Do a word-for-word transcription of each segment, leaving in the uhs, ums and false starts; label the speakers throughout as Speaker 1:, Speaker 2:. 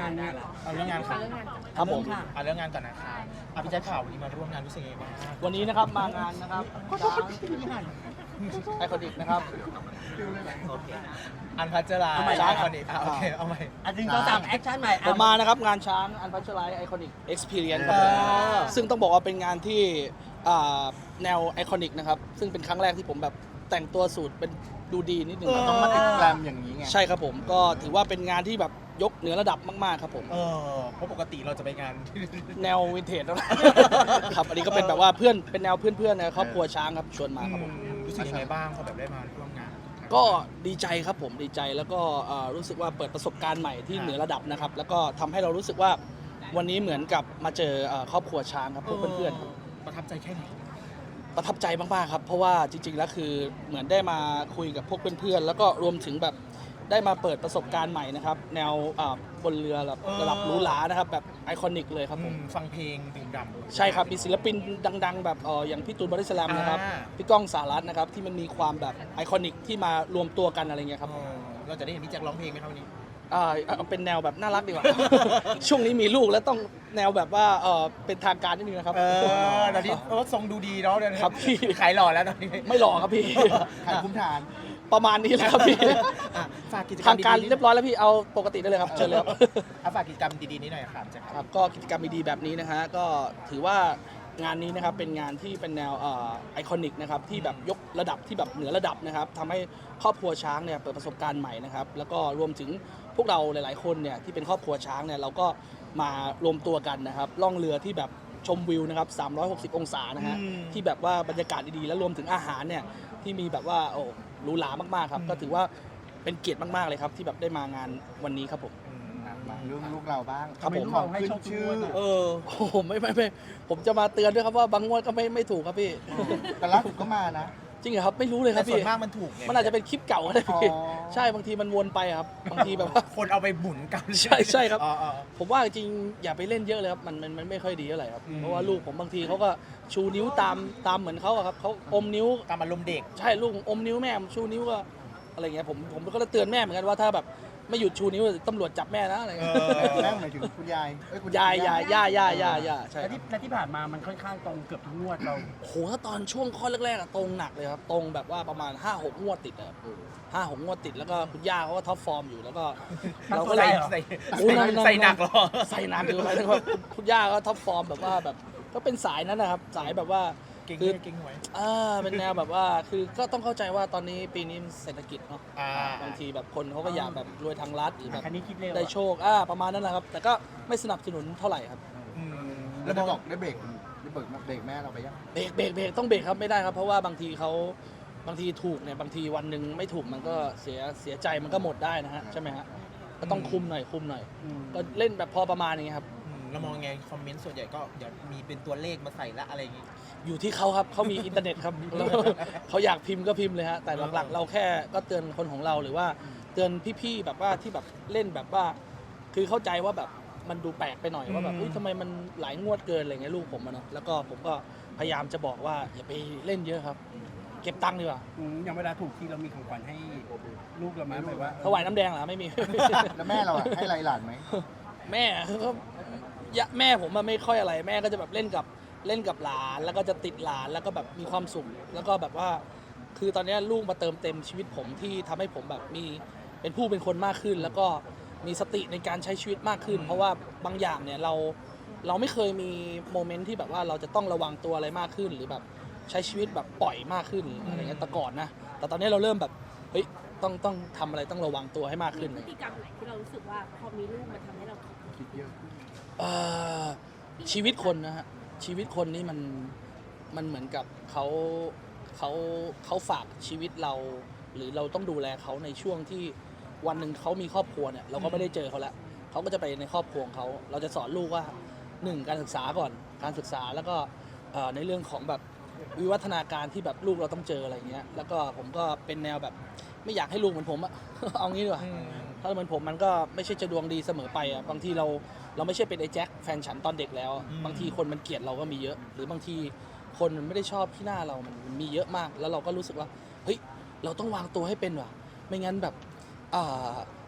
Speaker 1: านได้ละ
Speaker 2: เอาเรื่องงานค่ะ
Speaker 3: ครับผม
Speaker 2: เอาเรื่องงานก่อนนะคะเอาพี่แจ๊คข่าววันนี้มาร่วมงานรู้สึกยังไงบ้าง
Speaker 3: วันนี้นะครับมางานนะครับช้างไอคอนิกนะครับ
Speaker 2: โอเคอันพัชรา
Speaker 1: เอาใหม่
Speaker 2: ช้างคนนี้อ่ะโอเคเอาใหม่
Speaker 1: อันหนึ่งสองสามแอคชั่นใหม่
Speaker 3: ผมมานะครับงานช้างอันพัชไลไอคอนิกเอ็กซ์เพรียนครับผม
Speaker 2: เออ
Speaker 3: ซึ่งต้องบอกว่าเป็นงานที่อ่าแนวไอคอนิกนะครับซึ่งเป็นครั้งแรกที่ผมแบบแต่งตัวสูตรเป็นดูดีนิดนึง
Speaker 4: ต้องมาติดแกรมอย่างนี้ไง
Speaker 3: ใช่ครับผมก็ถือว่าเป็นงานที่แบบยกเหนือระดับมากๆครับผม
Speaker 2: เออเพราะปกติเราจะไปงาน
Speaker 3: แนววินเทจนะครับอันนี้ก็เป็นแบบว่าเพื่อนเป็นแนวเพื่อนๆในครอบครัวช้างครับชวนมาครับผม
Speaker 2: อืมรู้สึกยังไงบ้างพอแบบได้มาร่วมงาน
Speaker 3: ก็ดีใจครับผมดีใจแล้วก็เอ่อรู้สึกว่าเปิดประสบการณ์ใหม่ที่เหนือระดับนะครับแล้วก็ทำให้เรารู้สึกว่าวันนี้เหมือนกับมาเจอเอ่อครอบครัวช้างครับพวกเพื่อนๆครับ
Speaker 2: ประทับใจแค่ไหน
Speaker 3: ประทับใจมากๆครับเพราะว่าจริงๆแล้วคือเหมือนได้มาคุยกับพวกเพื่อนๆแล้วก็รวมถึงแบบได้มาเปิดประสบการณ์ใหม่นะครับแนวอ่าบนเรือแบบระดับหรูหรานะครับแบบไอคอนิกเลยครับผม
Speaker 2: อืมฟังเพลงดื่มด่ำ
Speaker 3: ใช่ครับมีศิลปินดังๆ แบบเอออย่างพี่ตูนบอดี้สแลมนะครับ
Speaker 2: อ่า
Speaker 3: พี่ก้องสารัตน์นะครับที่มันมีความแบบไอคอนิกที่มารวมตัวกันอะไรเงี้ยครับ
Speaker 2: เออเราจะได้เห็นพี่แจ็คร้องเพลงไหมครับวันนี้
Speaker 3: อ่าเอาเป็นแนวแบบน่ารักดีกว่า ช่วงนี้มีลูกแล้วต้องแนวแบบว่าเออเป็นทางการนิดนึงนะครับ
Speaker 2: เออตอนนี้เออทรงดูดีเนาะเดี๋ยวนี้
Speaker 3: ครับพี่
Speaker 2: ขายหล่อแล้วตอนนี้
Speaker 3: ไม่หล่อครับพี่
Speaker 4: ขายคุ้มฐาน
Speaker 3: ประมาณนี้แหละครับพี่
Speaker 2: อ่ะฝากกิจกรร
Speaker 3: ทาม งการ
Speaker 2: ดีๆ
Speaker 3: เรียบร้อยแล้วพี่เอาปกติได้เลยครับเชิญเลยครับ
Speaker 2: อ่ะฝากกิจกรรมดีๆนี้หน่อยครับแจ็ค
Speaker 3: ครับก็กิจกรรมดีๆแบบนี้นะฮะก็ถือว่างานนี้นะครับเป็นงานที่เป็นแนวไอคอนิกนะครับที่แบบยกระดับที่แบบเหนือระดับนะครับทำให้ครอบครัวช้างเนี่ยเปิดประสบการณ์ใหม่นะครับแล้วก็รวมถึงพวกเราหลายๆคนเนี่ยที่เป็นครอบครัวช้างเนี่ยเราก็มารวมตัวกันนะครับล่องเรือที่แบบชมวิวนะครับสามร้อยหกสิบองศานะฮะที่แบบว่าบรรยากาศดีๆและรวมถึงอาหารเนี่ยที่มีแบบว่าโอ้หรูหรามากๆครับก็ถือว่าเป็นเกียรติมากๆเลยครับที่แบบได้มางานวันนี้ครับผม
Speaker 4: มาเรื่องลูกเราบ้าง
Speaker 3: ครับผม
Speaker 4: ทำไของขึ้นชื่อ
Speaker 3: เออโอ้โหไม่ไม่ไม่ผมจะมาเตือนด้วยครับว่าบางงวดก็ไม่ไม่ถูกครับพี่
Speaker 4: แต่ล่าสุดก็มานะ
Speaker 3: จริงเหรอครับไม่รู้เลยค
Speaker 2: แต่
Speaker 3: รับ
Speaker 2: ส่ว
Speaker 3: พี่
Speaker 2: นมากมันถูกไง
Speaker 3: มันอาจจะเป็นคลิปเก่าก็ได้พี่
Speaker 4: อ๋อ
Speaker 3: ใช่บางทีมันวนไปครับบางทีแบบว่า
Speaker 2: คนเอาไปหมุนกัน
Speaker 3: ใช่ใช่ครับ
Speaker 2: อ๋ออ๋อ
Speaker 3: ผมว่าจริงๆอย่าไปเล่นเยอะเลยครับมันมันมันไม่ค่อยดีเท่าไหร่ครับ
Speaker 2: อืม
Speaker 3: เพราะว่าลูกผมบางทีเขาก็ชูนิ้วตามตามเหมือนเขาอะครับเขาอมนิ้ว
Speaker 2: ตามอารมณ์เด็ก
Speaker 3: ใช่ลูกอมนิ้วแม่ชูนิ้วก็อะไรเงี้ยผมผมก็เลยเตือนแม่เหมือนกันว่าถ้าแบบไม่หยุดชูนิ้วตำรวจจับแม่นะอะไร
Speaker 2: เอ
Speaker 3: เงี้ย
Speaker 2: อ
Speaker 4: แม่หมายถึงคุณยายเอ้คุณ
Speaker 3: ยายยายย่าย่าย่าย่าใช่
Speaker 1: และ
Speaker 3: ครั
Speaker 1: ที่
Speaker 3: บ
Speaker 1: และที่ผ่านมามันค่อนข้างตรงเกือบทุกงวดเรา
Speaker 3: โหถ้าตอนช่วงข้อแรกๆอะตรงหนักเลยครับตรงแบบว่าประมาณห้าหกงวดติดอะครับห้าหกงวดติดแล้วก็คุณย่าเขาก็ท็อปฟอร์มอยู่แล้วก็เราก็
Speaker 2: ใส่
Speaker 3: เลย
Speaker 2: ใส่
Speaker 3: โอ้นั่นนั่น
Speaker 2: ใส่หนักเหรอ
Speaker 3: ใส่หนักคือหมายถึงว่าคุณคุณย่าก็ท็อปฟอร์มแบบว่าแบบก็เป็นสายนั้นนะครับสายแบบว่า
Speaker 2: เก่ง
Speaker 3: คือ
Speaker 2: เก่งหวย
Speaker 3: อ่าเป็นแนวแบบว่าคือก็ต้องเข้าใจว่าตอนนี้ปีนี้เศรษฐกิจเนาะ
Speaker 2: อ่า
Speaker 3: บางทีแบบคนเขาก็อยากแบบรวยทางรัฐหรือแบบ
Speaker 1: คันนี้คิดเร็วอะ
Speaker 3: ได้โชคอ่าประมาณนั้นแหละครับ แต่ก็ไม่สนับสนุนเท่าไหร่ครับ
Speaker 2: อืม
Speaker 4: แล้วได้บอกได้เบรกได้เบรกเบรกแม่เราไปยัง
Speaker 3: เบรกเบรกเบรกต้องเบรกครับไม่ได้ครับเพราะว่าบางทีเขาบางทีถูกเนี่ยบางทีวันหนึ่งไม่ถูกมันก็เสียเสียใจมันก็หมดได้นะฮะใช่ไหมฮะก็ต้องคุมหน่อยคุมหน่อย
Speaker 1: อืม
Speaker 3: ก็เล่นแบบพอประมาณนี้ครับ
Speaker 2: อืมเรามองไงคอมเมนต์ส่วนใหญ่ก็เดี๋ยวมีเป็นตัวเลขมาใส่ละอะไรอย่างงี้
Speaker 3: อยู่ที่เขาครับเขามีอินเทอร์เน็ตครับ แล้วเขาอยากพิมพ์ก็พิมพ์เลยฮะแต่หลักๆ เราแค่ก็เตือนคนของเราหรือว่าเตือนพี่ๆแบบว่าที่แบบเล่นแบบว่า คือเข้าใจว่าแบบมันดูแปลกไปหน่อยว่าแบบ
Speaker 2: อืม
Speaker 3: อุ๊ยทำไมมันหลายงวดเกินอะไรเงี้ยลูกผมอะเนาะแล้วก็ผมก็พยายามจะบอกว่าอย่าไปเล่นเยอะครับ เก็บตังค์ดีกว่า
Speaker 1: อืมอย่างเวลาถูกทีเรามีของขวัญให้ลูกเราไหมหมายว่า
Speaker 3: ถวายน้ำแดงเหรอไม่มี
Speaker 4: แล้วแม่เราอะให้ไรหลานไหม
Speaker 3: แม่ก็ยะแม่ผมมันไม่ค่อยอะไรแม่ก็จะแบบเล่นกับเล่นกับหลานแล้วก็จะติดหลานแล้วก็แบบมีความสุขแล้วก็แบบว่า คือตอนนี้ลูกมาเติมเต็มชีวิตผมที่ทำให้ผมแบบมีเป็นผู้เป็นคนมากขึ้น แล้วก็มีสติในการใช้ชีวิตมากขึ้น เพราะว่าบางอย่างเนี่ยเราเราไม่เคยมีโมเมนต์ที่แบบว่าเราจะต้องระวังตัวอะไรมากขึ้น หรือแบบใช้ชีวิตแบบปล่อยมากขึ้นอะไรเงี้ยแต่ก่อนนะแต่ตอนนี้เราเริ่มแบบเฮ้ยต้องต้องทำอะไรต้องระวังตัวให้มากขึ้น
Speaker 5: พฤติกรรมไหนที่เรารู้สึกว่าพอมีลูกมันทำให้เราคิด
Speaker 4: คิดเยอะ
Speaker 3: เอ่อชีวิตคนนะฮะชีวิตคนนี่มันมันเหมือนกับเขาเขาเขาฝากชีวิตเรา หรือเราต้องดูแลเขาในช่วงที่วันหนึ่งเขามีครอบครัวเนี่ยเราก็ไม่ได้เจอเขาแล้วเขาก็จะไปในครอบครัวของเขาเราจะสอนลูกว่าหนึ่งการศึกษาก่อนการศึกษาแล้วก็เอ่อในเรื่องของแบบวิวัฒนาการที่แบบลูกเราต้องเจออะไรเงี้ยแล้วก็ผมก็เป็นแนวแบบไม่อยากให้ลูกเหมือนผมอะ เอางี้ดีกว่า
Speaker 2: อืม
Speaker 3: ถ้าเหมือนผมมันก็ไม่ใช่จะดวงดีเสมอไปอ่ะบางทีเราเราไม่ใช่เป็นไอ้แจ็คแฟนฉันตอนเด็กแล้ว
Speaker 2: อืม
Speaker 3: บางทีคนมันเกลียดเราก็มีเยอะ หรือบางทีคนมันไม่ได้ชอบที่หน้าเรามันมีเยอะมาก แล้วเราก็รู้สึกว่าเฮ้ยเราต้องวางตัวให้เป็นว่ะไม่งั้นแบบอ่า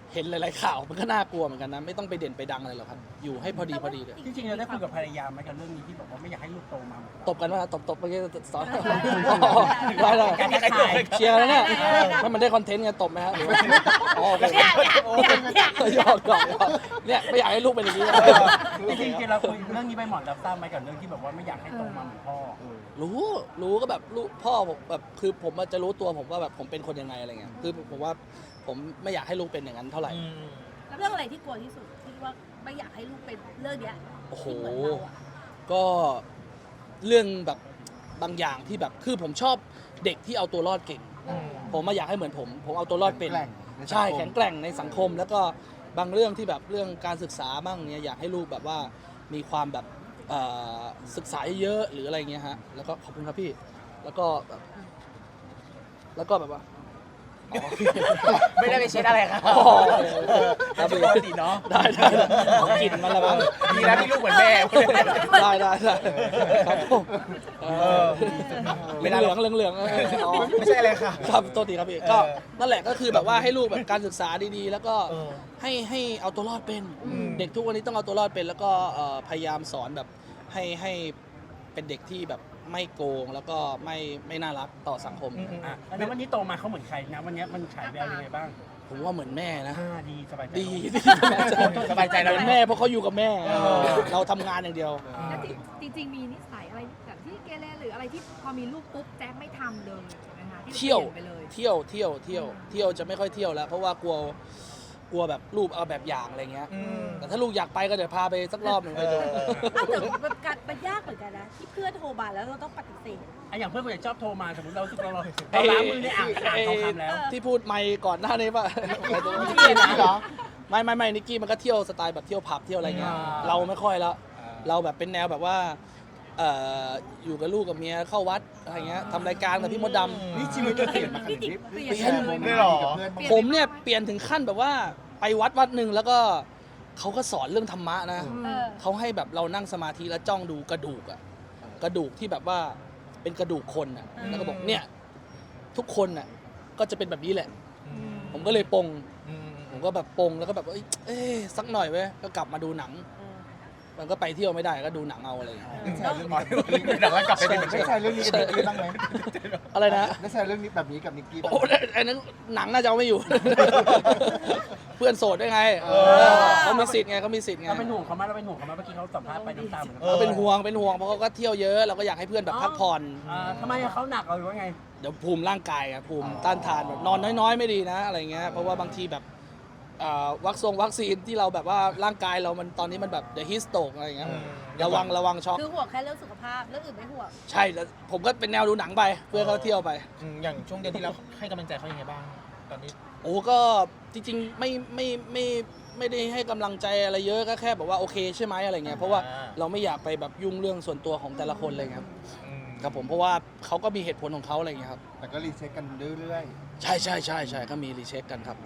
Speaker 3: เห็นหลายๆข่าวมันก็น่ากลัวเหมือนกันนะไม่ต้องไปเด่นไปดังอะไรหรอกครับอยู่ให้พอดีพอดีเลย
Speaker 1: จริงๆเราได้คุยกับภรรยาไหมกับเรื่องนี้ที่บอกว่าไม่อยากให้ลูกโตมาเหมือนเรา
Speaker 3: ตบกันว่าตบตบเมื่อกี้สอนได้เลย
Speaker 1: การจะขาย
Speaker 3: เชียร์แล้วเนี่ยถ้ามันได้คอนเทนต์ไงตบไหมฮะหรือว่าอ๋อโอเค
Speaker 5: เนี่ยเนี่ยเนี่ยเนี่ย
Speaker 3: หยอกหยอกหยอกเนี่ยไม่อยากให้ลูกเป็นอย่างนี้นะ
Speaker 1: จริงๆเราคุยเรื่องนี้ไปหมอนรับทราบไหมกับเรื่องที่แบบว่าไม่อยากให้โตมาเหมือนพ่อ
Speaker 3: รู้รู้ก็แบบลูกพ่อผมแบบคือผมอะจะรู้ตัวผมว่าแบบผมเป็นคนยังไงอะไรเงี้ยคือผมว่าผมไม่อยากให้ลูกเป็นอย่างนั้นเท่าไหร่
Speaker 2: อืม
Speaker 5: แล้วเรื่องอะไรที่กลัวที่สุดที่ว่าไม่อยากให้ลูกเป็นเรื่องเนี้ย
Speaker 3: โอ้โห
Speaker 5: ที่เหมือนเราอะ
Speaker 3: ก็เรื่องแบบบางอย่างที่แบบคือผมชอบเด็กที่เอาตัวรอดเก่ง
Speaker 2: อืม
Speaker 3: ผมมาอยากให้เหมือนผม ผมเอาตัวรอดเป็น
Speaker 4: แข็งแกร่งในสังคม
Speaker 3: ใช่แข็งแกร่งในสังคม แล้วก็บางเรื่องที่แบบเรื่องการศึกษาบ้างเนี่ยอยากให้ลูกแบบว่ามีความแบบเอ่อศึกษาเยอะๆหรืออะไรเงี้ยฮะแล้วก็ขอบคุณครับพี่แล้วก็แบบแล้วก็แบบว่าอ๋อ
Speaker 2: ไม่ได้ไปเช็ดอะไรครับ
Speaker 3: อ๋อครับพี่
Speaker 2: ปกติเนาะ
Speaker 3: ได้ได้ได้เอากลิ่นมันละบ้าง
Speaker 2: ดีแล้วที่ลูกเหมือนแม่
Speaker 3: ได้ได้ได้ครับผมเอ
Speaker 2: เอ
Speaker 3: อ
Speaker 2: อ
Speaker 3: เหลืองเหลืองเหลืองเหลืองๆอ๋อ
Speaker 2: ไม่ใช่อะไรค่ะ
Speaker 3: ครับตัวตีครับพี่
Speaker 2: เออ
Speaker 3: ก็นั่นแหละก็คือแบบว่าให้ลูกแบบการศึกษาดีๆ แล้วก็
Speaker 2: เออ
Speaker 3: ให้ให้เอาตัวรอดเป็น
Speaker 2: อืม
Speaker 3: เด็กทุกวันนี้ต้องเอาตัวรอดเป็น แล้วก็เอ่อพยายามสอนแบบให้ให้เป็นเด็กที่แบบไม่โกงแล้วก็ไม่ไม่น่ารักต่อสังคม
Speaker 2: อืมอืม
Speaker 1: อ่ะแล้ววันนี้โตมาเขาเหมือนใครนะวันนี้มันฉายแววยังไงบ้าง
Speaker 3: ผมว่าเหมือนแม่นะ
Speaker 1: อ่าดีสบายใจ
Speaker 3: ดี
Speaker 2: สบายใจแล้ว
Speaker 3: เหมือนแม่เพราะเขาอยู่กับแม่
Speaker 2: เออ
Speaker 3: เราทำงานอย่างเดียว
Speaker 6: แล้วจริงจริงๆมีนิสัยอะไรแบบที่เกเรหรืออะไรที่พอมีลูกปุ๊บแจ๊คไม่ทำเลยใช่ไหมคะที่
Speaker 3: เที่ยว
Speaker 6: ปลี่นไปเลย
Speaker 3: เที่ยวเที่ยวเที่ยวเที่ยวจะไม่ค่อยเที่ยวแล้ว เพราะว่ากลัวกลัวแบบรูปเอาแบบอย่างอะไรเงี้ย
Speaker 2: อืม
Speaker 3: แต่ถ้าลูกอยากไปก็เดี๋ยวพาไปสักรอบหนึ่งไปดู
Speaker 2: เออ
Speaker 5: อ้าวแต่มันการมันยากเหมือนกันนะที่เพื่อนโทรมาแล้วเราต้องปฏิเสธ
Speaker 1: อ่ะอย่างเพื่อนคนไหนชอบโทรมาสมมติเรารู้สึกเราเราเราล้างมือในอ่างอ่างทองคำแล้ว
Speaker 3: ที่พูดไม่ก่อนหน้านี้ป่ะ
Speaker 4: นิกกี้เหรอ
Speaker 3: ไม่ไม่ไม่นิกกี้มันก็เที่ยวสไตล์แบบเที่ยวผับเที่ยวอะไรเงี้ย
Speaker 1: อ่า
Speaker 3: เราไม่ค่อยแล้ว เราแบบเป็นแนวแบบว่าเอ่ออยู่กับลูกกับเมียเข้าวัดอะไรเงี้ยทำรายการกับพี่มดดำ
Speaker 4: นี่ชีวิตก็เปลี่ยนมาขนาดนี้
Speaker 6: เปลี่ยน
Speaker 4: ไปแชร์โมเมนต์ดีกับเพื่อนบ้างไหม
Speaker 3: ผมเนี่ยเปลี่ยนถึงขั้นแบบว่าไปวัดวัดหนึ่งแล้วก็เขาก็สอนเรื่องธรรมะนะ
Speaker 5: เออ
Speaker 3: เขาให้แบบเรานั่งสมาธิแล้วจ้องดูกระดูกอะกระดูกที่แบบว่าเป็นกระดูกคนอะแล้วก็บอกเนี่ยทุกคนอะก็จะเป็นแบบนี้แหละ ผมก็เลยปลง
Speaker 2: อืม
Speaker 3: ผมก็แบบปลงแล้วก็แบบเอ้ยเอ้ยสักหน่อยเว้ยก็กลับมาดูหนัง มันก็ไปเที่ยวไม่ได้ก็ดูหนังเอาอะไรอย่างเงี้ย
Speaker 4: ได้แชร์เรื่อง
Speaker 2: อ๋อ
Speaker 4: นี้
Speaker 2: เดี๋ยวก็กลับไปเป็นเหมือน
Speaker 4: ได้
Speaker 2: เดิม
Speaker 4: แชร์เรื่องนี้กับนิกกี้บ้างไหม
Speaker 3: อะไรนะ
Speaker 4: ได้แชร์เรื่องนี้แบบนี้กับนิกกี้บ้าง
Speaker 3: โอ้
Speaker 4: ไหม
Speaker 3: ไอ้นั้นหนังน่าจะเอาไม่อยู่ เพื่อนโสดได้ไง
Speaker 2: เออ
Speaker 3: เขามีสิทธิ์ไงเขามีสิทธิ์ไง
Speaker 1: เราเป็นห่วงเขาไหมเราเป็นห่วงเขาไหมเมื่อกี้เขาสัมภาษณ์ไปน้ำตาเหมือนกัน
Speaker 2: เออ
Speaker 3: เขาเป็นห่วงเป็นห่วงเพราะเขาก็เที่ยวเยอะเราก็อยากให้เพื่อนแบบพักผ่อน
Speaker 1: อ่าทำไมอะเขาหนักเอาหรือว่าไง
Speaker 3: เดี๋ยวภูมิร่างกายอะภูมิต้านทานแบบนอนน้อยๆ ไม่ดีนะอะไรเงี้ยเพราะว่าบางทีแบบเอ่อวัคซงวัคซีนที่เราแบบว่าร่างกายเรามันตอนนี้มันแบบเดอะฮิสโตกอะไรเงี้ย
Speaker 2: อืม
Speaker 3: ระวังระวังช็อก
Speaker 5: คือห่วงแค่เรื่องสุขภาพเรื่องอื่นไม่ห่วง
Speaker 3: ใช่แล้วผมก็เป็นแนวดูหนังไปเพื่อนเขาเที่ยวไป
Speaker 2: อืมอย่างช่วงเดือนที่แล้วให้กำลังใจเขายังไงบ้าง ตอนนี้
Speaker 3: โอ้ก็จริงๆไม่ไม่ไม่ไม่ได้ให้กำลังใจอะไรเยอะก็แค่แบบว่าโอเคใช่ไหมอะไรเงี้ยเพราะว่า
Speaker 2: อ่า
Speaker 3: เราไม่อยากไปแบบยุ่งเรื่องส่วนตัวของแต่ละคนเลยครับ
Speaker 2: อืม
Speaker 3: ครับผมเพราะว่าเขาก็มีเหตุผลของเขาอะไรเงี้ยครับ
Speaker 4: แต่ก็รีเช็คกันเรื่อย
Speaker 3: ใช่ใช่ใช่ใช่ก็มีรีเช็คกันครับ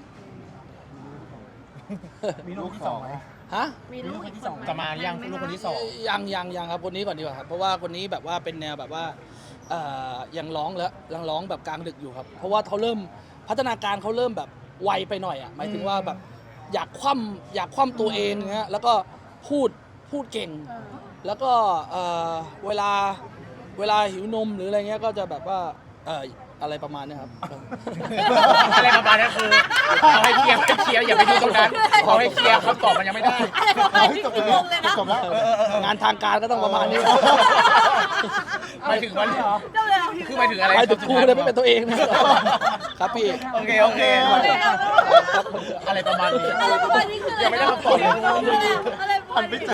Speaker 1: มี
Speaker 4: ๆ
Speaker 1: ลู
Speaker 4: ลู
Speaker 1: ก
Speaker 4: ก
Speaker 1: ที่
Speaker 4: ส
Speaker 1: ส
Speaker 4: อ
Speaker 1: อง งไหม
Speaker 4: อะ
Speaker 3: ฮะ
Speaker 5: มีลูกอีกคนไหม
Speaker 2: จะมายังลูกคนที่สอง
Speaker 3: ยังยังยังครับคนนี้ก่อนดีกว่าครับเพราะว่าคนนี้แบบว่าเป็นแนวแบบว่าเอ่อยังร้องแล้วยังร้องแบบกลางดึกอยู่ครับ เพราะว่าเขาเริ่มพัฒนาการเขาเริ่มแบบไวไปหน่อยอ่ะหมายถึงว่าแบบอยากคว่ำอยากคว่ำตัวเองเงี้ยแล้วก็พูดพูดเก่ง
Speaker 5: เออ
Speaker 3: แล้วก็เอ่อเวลาเวลาหิวนมหรืออะไรเงี้ยก็จะแบบว่าเอ่ออะไรประมาณเนี้ยครับ
Speaker 2: อะไรประมาณนี้คือเอาให้เคลียร์ให้เคลียร์อย่าไปดูตรงนั้นเอาให้เคลียร์คำตอบมันยังไม่ได้
Speaker 5: อะไรประมาณนี้
Speaker 4: จบ
Speaker 5: คื
Speaker 4: แล้
Speaker 5: อ
Speaker 4: ว
Speaker 5: งงเลยนะ
Speaker 4: จบแล้ว
Speaker 3: งานทางการก็ต้องประมาณนี้
Speaker 2: หมายถึงว่า
Speaker 5: เจ้าเลยเหรอ
Speaker 2: คือหมายถึงอะไร
Speaker 3: ไปถึงครูเลยไม่เป็นตัวเองนะครับพี่
Speaker 2: โอเคโอเค
Speaker 5: เอาเลยเอาเลย
Speaker 2: อะไรประมาณนี้
Speaker 5: อะไรประมาณนี้คืออะไร
Speaker 2: ยังไม่ได้คำตอบเลย
Speaker 5: อะไรประมาณนี้